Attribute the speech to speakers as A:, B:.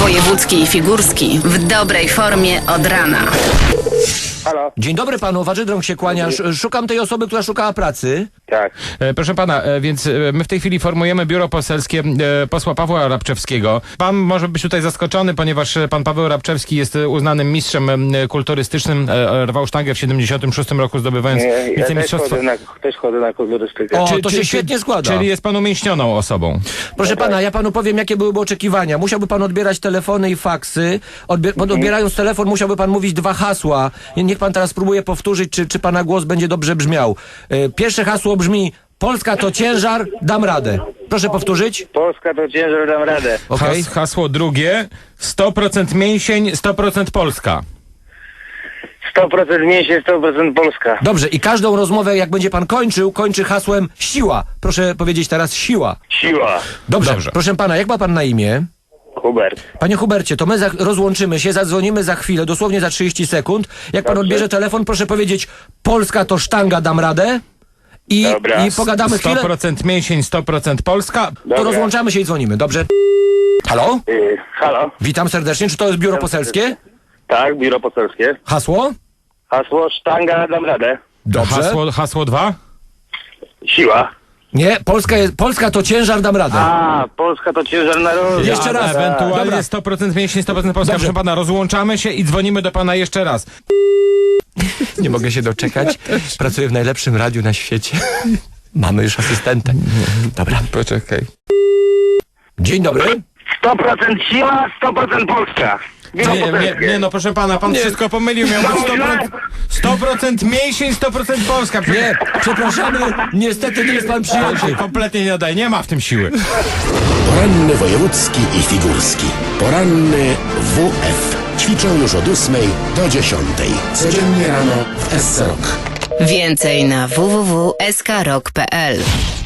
A: Wojewódzki i figurski w dobrej formie od rana.
B: Halo?
C: Dzień dobry panu, Warzydrąg się kłania. Szukam tej osoby, która szukała pracy.
B: Tak.
D: Proszę pana, więc my w tej chwili formujemy biuro poselskie posła Pawła Rabczewskiego. Pan może być tutaj zaskoczony, ponieważ pan Paweł Rabczewski jest uznanym mistrzem kulturystycznym. Rwał sztangę w 76 roku, zdobywając
B: Ja
D: wicemistrzostwo.
B: też chodzę na kolorystykę.
C: O, to się świetnie składa.
D: Czyli jest pan umięśnioną osobą.
C: Proszę pana, ja panu powiem, jakie byłyby oczekiwania. Musiałby pan odbierać telefony i faksy. Odbierając telefon, musiałby pan mówić 2 hasła. Niech pan teraz spróbuje powtórzyć, czy pana głos będzie dobrze brzmiał. Pierwsze hasło brzmi: Polska to ciężar, dam radę. Proszę powtórzyć.
B: Polska to ciężar, dam radę.
C: Okej.
D: Hasło drugie: 100% mięsień, 100% Polska.
B: 100% mięsie, 100% Polska.
C: Dobrze, i każdą rozmowę, jak będzie pan kończy hasłem siła. Proszę powiedzieć teraz siła.
B: Siła.
C: Dobrze.
D: Dobrze.
C: Proszę pana, jak ma pan na imię?
B: Hubert.
C: Panie Hubercie, to my rozłączymy się, zadzwonimy za chwilę, dosłownie za 30 sekund. Jak pan
B: Dobrze.
C: odbierze telefon, proszę powiedzieć: Polska to sztanga, dam radę.
B: Dobra.
C: I pogadamy chwilę,
D: 100% mięsień, 100% Polska.
C: to
B: Dobra.
C: rozłączamy się i dzwonimy, dobrze? Halo?
B: Halo?
C: Witam serdecznie, czy to jest biuro poselskie?
B: Tak, biuro poselskie.
C: Hasło?
B: Hasło sztanga, dam radę.
C: Dobrze.
D: Hasło 2?
B: Siła.
C: Nie, Polska to ciężar, dam radę.
B: A, Polska to ciężar narodu.
C: Jeszcze raz.
D: Ewentualnie
C: Dobra.
D: 100% mięsień, 100% Polska.
C: Dobrze.
D: Proszę pana, rozłączamy się i dzwonimy do pana jeszcze raz.
C: Nie mogę się doczekać. Pracuję w najlepszym radiu na świecie. Mamy już asystenta. Dobra.
D: Poczekaj.
C: Dzień dobry.
B: 100% siła, 100% Polska. Biuro poselskie.
D: Nie, no proszę pana, pan wszystko pomylił. Miał być 100% mięsień, 100% Polska.
C: Nie, przepraszamy, niestety nie jest pan przyjęty.
D: Kompletnie nie daje, nie ma w tym siły.
E: Poranny wojewódzki i figurski. Poranny WF. Ćwiczą już od 8 do 10. Codziennie rano w SC Rock.
A: Więcej na www.skrok.pl.